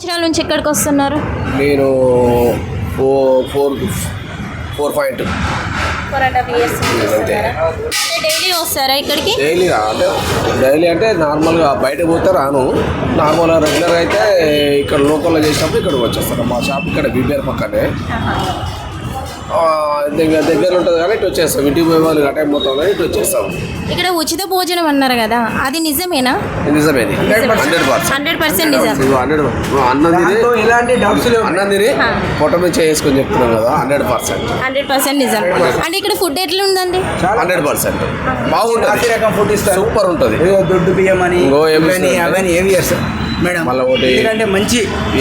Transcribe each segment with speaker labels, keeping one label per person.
Speaker 1: సంవత్సరాల నుంచి ఎక్కడికి వస్తున్నారు?
Speaker 2: నేను 4.2 అంతే.
Speaker 1: డైలీ వస్తారా ఇక్కడికి?
Speaker 2: డైలీ అంటే నార్మల్గా బయటకు పోతే రాను. నార్మల్గా రెగ్యులర్గా అయితే ఇక్కడ లోకల్లో చేసినప్పుడు ఇక్కడికి వచ్చేస్తాను. మా షాప్ ఇక్కడ బీబీఆర్ పక్కనే దగ్గర ఉంటుంది కానీ ఇటు వచ్చేస్తాం. ఇంటికి పోయే వాళ్ళు టైం మొత్తం కానీ ఇటు వచ్చేస్తాం.
Speaker 1: ఇక్కడ ఉచిత భోజనం అన్నారు కదా, అది నిజమేనా?
Speaker 2: నిజమేది
Speaker 1: 100% నిజం.
Speaker 2: అన్నం తిని పొట్ట మీద చేసుకొని చెప్తున్నాం కదా, 100%
Speaker 1: నిజం. అంటే ఇక్కడ ఫుడ్ ఎట్లా ఉందండి?
Speaker 2: 100% బాగుంటుంది.
Speaker 3: ఫుడ్ ఇస్తారు,
Speaker 2: సూపర్ ఉంటుంది.
Speaker 3: దొడ్డు బియ్యం అని అవన్నీ ఏవి చేస్తారు మేడం.
Speaker 2: మళ్ళీ ఒకటి
Speaker 3: ఎందుకంటే మంచి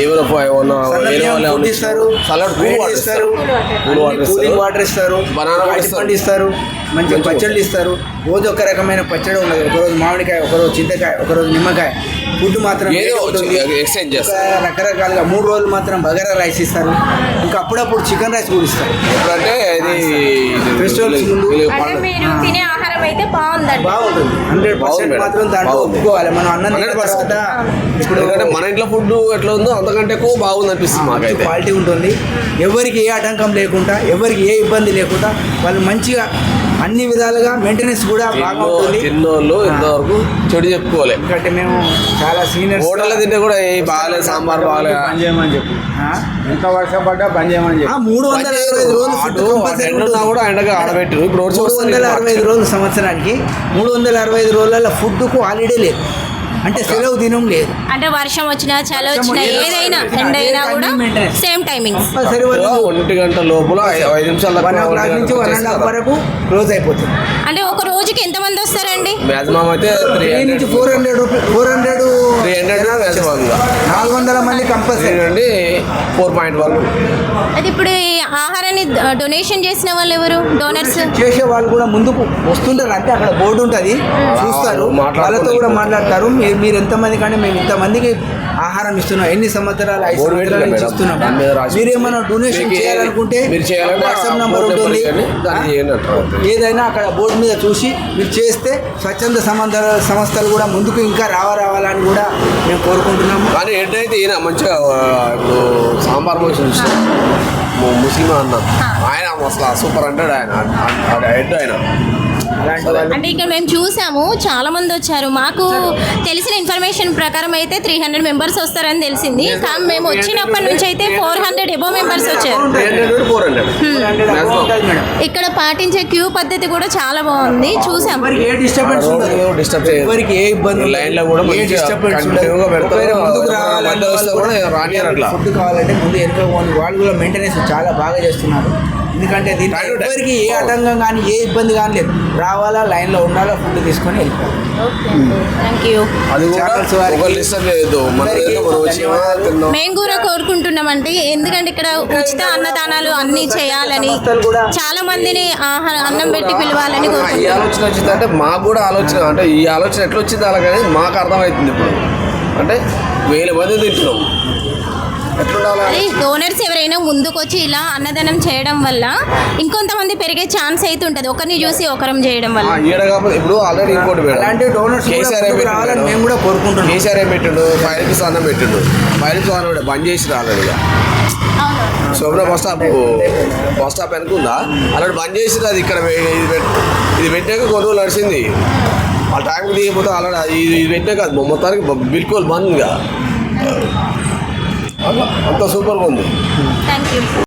Speaker 2: ఇస్తారు, సలాడ్
Speaker 3: కూలింగ్ వాటర్ ఇస్తారు,
Speaker 2: బనానా
Speaker 3: పండు ఇస్తారు, మంచి పచ్చళ్ళు ఇస్తారు. రోజు ఒక రకమైన పచ్చడి ఉండదు. ఒకరోజు మామిడికాయ, ఒకరోజు చింతకాయ, ఒకరోజు నిమ్మకాయ. ఫుడ్ మాత్రం
Speaker 2: ఎక్స్చేంజ్ చేస్తారు.
Speaker 3: రకరకాలుగా 3 రోజులు మాత్రం బగారా రైస్ ఇస్తారు. ఇంకా అప్పుడప్పుడు చికెన్ రైస్ కూడా ఇస్తారు.
Speaker 2: ఎప్పుడంటే ఇది
Speaker 3: ఫెస్టివల్స్ ముందు
Speaker 1: తినే ఆహారం అయితే
Speaker 3: బాగుంటుంది. 100% మాత్రం దాంట్లో ఒప్పుకోవాలి. మనం అన్నం
Speaker 2: ఇప్పుడు మన ఇంట్లో ఫుడ్ ఎట్లా ఉందో అంతకంటే ఎక్కువ బాగుంది అనిపిస్తుంది మాకైతే.
Speaker 3: క్వాలిటీ ఉంటుంది. ఎవరికి ఏ ఆటంకం లేకుండా, ఎవరికి ఏ ఇబ్బంది లేకుండా వాళ్ళు మంచిగా అన్ని విధాలుగా మెయింటెనెన్స్ కూడా బాగా ఉంటుంది.
Speaker 2: తిన్నోళ్ళు ఇంతవరకు చెడు చెప్పుకోవాలి.
Speaker 3: ఎందుకంటే మేము చాలా సీనియర్.
Speaker 2: హోటల్లో తింటే కూడా ఏ బాగాలేదు, సాంబార్ బాగాలేదు,
Speaker 3: పని చేయమని చెప్పి ఎంత వర్షం పడ్డా పని చేయమని చెప్పి 365 రోజులు
Speaker 2: కూడా ఎండగా ఆడబెట్టారు. ఇప్పుడు
Speaker 3: 365 రోజులు సంవత్సరానికి 365 రోజులలో ఫుడ్కు హాలిడే లేదు. అంటే సెలవు దినం లేదు.
Speaker 1: అంటే వర్షం వచ్చినా చలి వచ్చినా ఏదైనా ఎండ అయినా కూడా సేమ్ టైమింగ్.
Speaker 2: 1 గంట లోపల 5 నిమిషాల
Speaker 3: 1 o'clock నుంచి 1.5 వరకు క్లోజ్ అయిపోతుంది.
Speaker 1: అంటే ఒక రోజుకి ఎంతమంది వస్తారండి?
Speaker 2: మాక్సిమం అయితే
Speaker 3: 300 నుంచి 400 మంది కంపల్సరీ
Speaker 2: అండి. 4.1.
Speaker 1: అది ఇప్పుడు ఈ ఆహారాన్ని డొనేషన్ చేసిన వాళ్ళు ఎవరు? డోనర్స్
Speaker 3: చేసే వాళ్ళు కూడా ముందుకు వస్తుంటారు. అంటే అక్కడ బోర్డు ఉంటుంది, చూస్తారు, వాళ్ళతో కూడా మాట్లాడతారు. మీరు ఎంతమంది కానీ మేము ఇంతమందికి ఆహారం ఇస్తున్నాం, ఎన్ని సంవత్సరాలు 5 సంవత్సరాల నుంచి ఇస్తున్నాం. మీరు ఏమైనా డొనేషన్ చేయాలనుకుంటే వాట్సాప్ నెంబర్ ఉంటుంది. ఏదైనా అక్కడ బోర్డు మీద చూసి మీరు చేస్తే స్వచ్ఛంద సంస్థలు కూడా ముందుకు ఇంకా రావాలని కూడా మేము కోరుకుంటున్నాము.
Speaker 2: కానీ హెడ్ అయితే ఈయన మంచిగా ఇప్పుడు సాంబార్ మనిషి ముస్లిం అన్న ఆయన అసలు సూపర్ అంటాడు. ఆయన హెడ్ ఆయన.
Speaker 1: అంటే ఇక్కడ మేము చూసాము, చాలా మంది వచ్చారు. మాకు తెలిసిన ఇన్ఫర్మేషన్ ప్రకారం అయితే 300 మెంబర్స్ వస్తారని తెలిసింది. కానీ మేము వచ్చినప్పటి నుంచి అయితే 400 ఎబో మెంబర్స్ వచ్చారు. ఇక్కడ పాటించే క్యూ పద్ధతి కూడా చాలా బాగుంది, చూసాము.
Speaker 3: ఎవరికి ఏ ఇబ్బంది, లైన్ లో కూడా ఫుడ్ కావాలంటే ముందు వెనుక వాళ్ళు కూడా మెయింటెనెన్స్ చాలా బాగా చేస్తున్నారు. ఎందుకంటే దీంట్లో ఎవరికి ఏ ఆటంకం కానీ ఏ ఇబ్బంది కానీ లేదు. రావాలా, లైన్లో ఉండాలా, ఫుడ్ తీసుకొని వెళ్ళిపోవాలి.
Speaker 1: మేము కూడా కోరుకుంటున్నామంటే, ఎందుకంటే ఇక్కడ ఉచిత అన్నదానాలు అన్ని చేయాలని, చాలా మందిని అన్నం పెట్టి పిలవాలని
Speaker 2: ఈ ఆలోచన వచ్చిందంటే మాకు కూడా ఆలోచన, అంటే ఈ ఆలోచన ఎట్లా వచ్చింది అలాగని మాకు అర్థమవుతుంది. ఇప్పుడు అంటే 1000 మంది తింటున్నాం.
Speaker 1: అదే డోనర్స్ ఎవరైనా ముందుకు వచ్చి ఇలా అన్నదానం చేయడం వల్ల ఇంకొంతమంది పెరిగే ఛాన్స్ అయితే ఉంటుంది, ఒకరిని చూసి ఒకరం చేయడం వల్ల.
Speaker 2: ఇప్పుడు ఆల్రెడీ ఇంకోటి కేసీఆర్
Speaker 3: మేము కూడా కోరుకుంటున్నాం.
Speaker 2: కేసీఆర్ ఏం పెట్టిండు, 5 రూపీస్ అన్నం పెట్టిండు. 5 రూపీస్ అన్నం బంద్ చేసి ఆల్రెడీగా శోభన బస్ స్టాప్ అనుకుందా అలాంటి బంద్ చేసి అది ఇక్కడ ఇది పెట్టాక కొన్ని రోజులు నడిచింది. ఆ టైంకి దిగిపోతే ఆల్రెడీ ఇది పెట్టాక మొత్తానికి బిల్కుల్ బంద్. అంత సూపర్గా ఉంది.
Speaker 1: Thank you.